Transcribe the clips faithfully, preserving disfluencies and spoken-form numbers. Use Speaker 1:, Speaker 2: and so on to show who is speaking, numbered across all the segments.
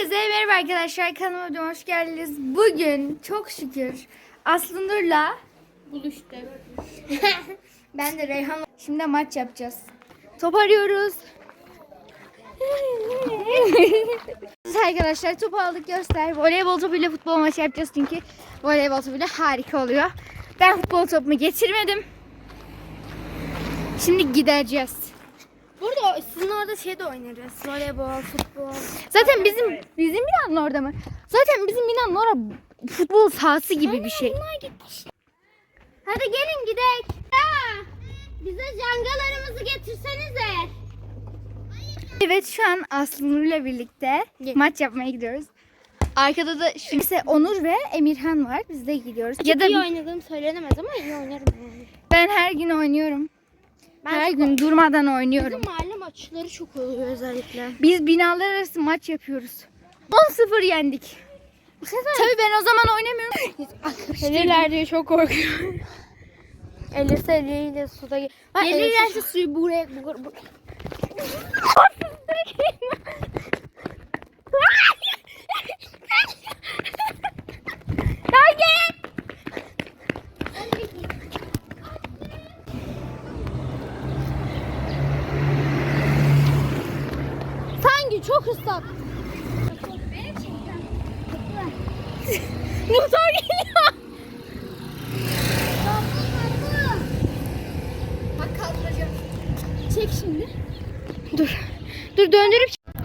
Speaker 1: Herkese merhaba arkadaşlar, kanalıma hoş geldiniz. Bugün çok şükür Aslı Nur'la
Speaker 2: buluştuk.
Speaker 1: ben de Reyhan. Şimdi maç yapacağız. Top arıyoruz. Arkadaşlar topu aldık, göster. Voleybol topuyla futbol maçı yapacağız çünkü voleybol topuyla harika oluyor. Ben futbol topumu getirmedim. Şimdi gideceğiz.
Speaker 2: Burada sizin orada şey de oynarız. Voleybol, futbol.
Speaker 1: Zaten bizim bizim binanın orada mı? Zaten bizim binanın orada futbol sahası gibi bir şey.
Speaker 2: Hadi gelin gidelim. Ha, bize jangalarımızı getirsenize.
Speaker 1: Evet, şu an Aslı Nur'la birlikte maç yapmaya gidiyoruz. Arkada da şu ise Onur ve Emirhan var. Biz de gidiyoruz.
Speaker 2: Ya da iyi oynadığım söylenemez ama iyi oynarım yani.
Speaker 1: Ben her gün oynuyorum.
Speaker 2: Ben
Speaker 1: her gün durmadan oynuyorum.
Speaker 2: Bizim mahalle maçları çok oluyor özellikle.
Speaker 1: Biz binalar arası maç yapıyoruz. on sıfır yendik. Tabii ben o zaman oynamıyorum.
Speaker 2: Gelirler diye çok korkuyorum. Elirse eliyle suda gel. Gelirlerse suyu buraya buraya. buraya. Sanki çok ıslak. Motor geliyor.
Speaker 1: Bak kaldıracağım.
Speaker 2: Çek şimdi. Dur. Dur döndürüp.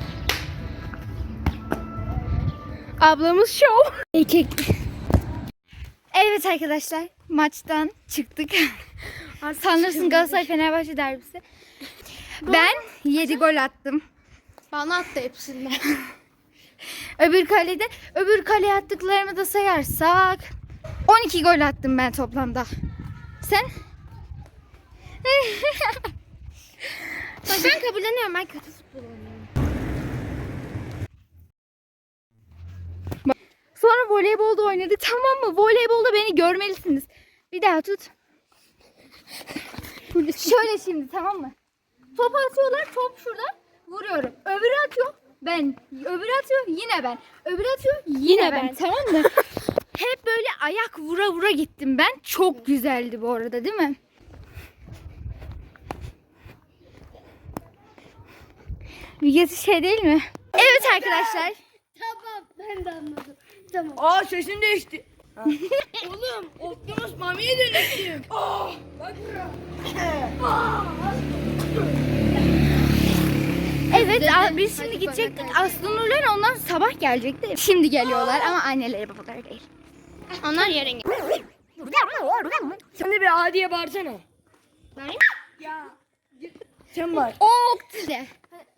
Speaker 2: Ablamız şov.
Speaker 1: Erkek. Evet arkadaşlar, maçtan çıktık. Sanırsın Galatasaray Fenerbahçe derbisi. Ben yedi gol attım.
Speaker 2: Bana attı hepsinden.
Speaker 1: Öbür kalede, öbür kaleye attıklarımı da sayarsak on iki gol attım ben toplamda. Sen?
Speaker 2: Ben kabulleniyorum, ben kötü futbol oynuyorum.
Speaker 1: Sonra voleybolda oynadık, tamam mı? Voleybolda beni görmelisiniz. Bir daha tut. Şöyle şimdi, tamam mı? Top atıyorlar, top şurada. Vuruyorum. Öbürü atıyor, ben. Öbürü atıyor, yine ben. Öbürü atıyor, yine,
Speaker 2: Yine
Speaker 1: ben.
Speaker 2: ben.
Speaker 1: Tamam mı? Hep böyle ayak vura vura gittim ben. Çok güzeldi bu arada, değil mi? Bilgesi şey değil mi? Evet arkadaşlar.
Speaker 2: Tamam, ben de anladım. Tamam.
Speaker 3: Aa, sesim değişti. Oğlum, Optimus Mami'ye dönüştüm. Aa, bak buraya.
Speaker 1: Evet, a- biz şimdi gidecektik. Aslı Nur'la ondan sabah gelecekti. Şimdi geliyorlar ama anneleri babaları değil.
Speaker 2: Onlar yarın gelir.
Speaker 3: Sen de bir Adi'ye bağırsana.
Speaker 2: Ben?
Speaker 3: Ya. Sen var.
Speaker 1: Ok de.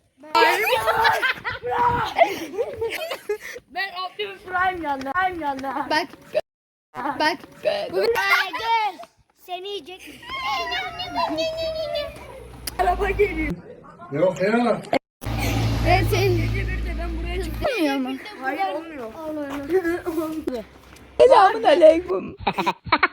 Speaker 3: Ben Optimus Prime yandı. Prime yandı.
Speaker 1: Bak. Bak.
Speaker 2: Gel. Seni yiyecek.
Speaker 3: Araba geliyor.
Speaker 4: Yok ya.
Speaker 1: Evet, sen
Speaker 3: Gece bir de ben buraya çıktım.
Speaker 1: bilmiyor mu?
Speaker 3: Hayır, olmuyor.
Speaker 2: Olmuyor.
Speaker 3: Selamun aleyküm.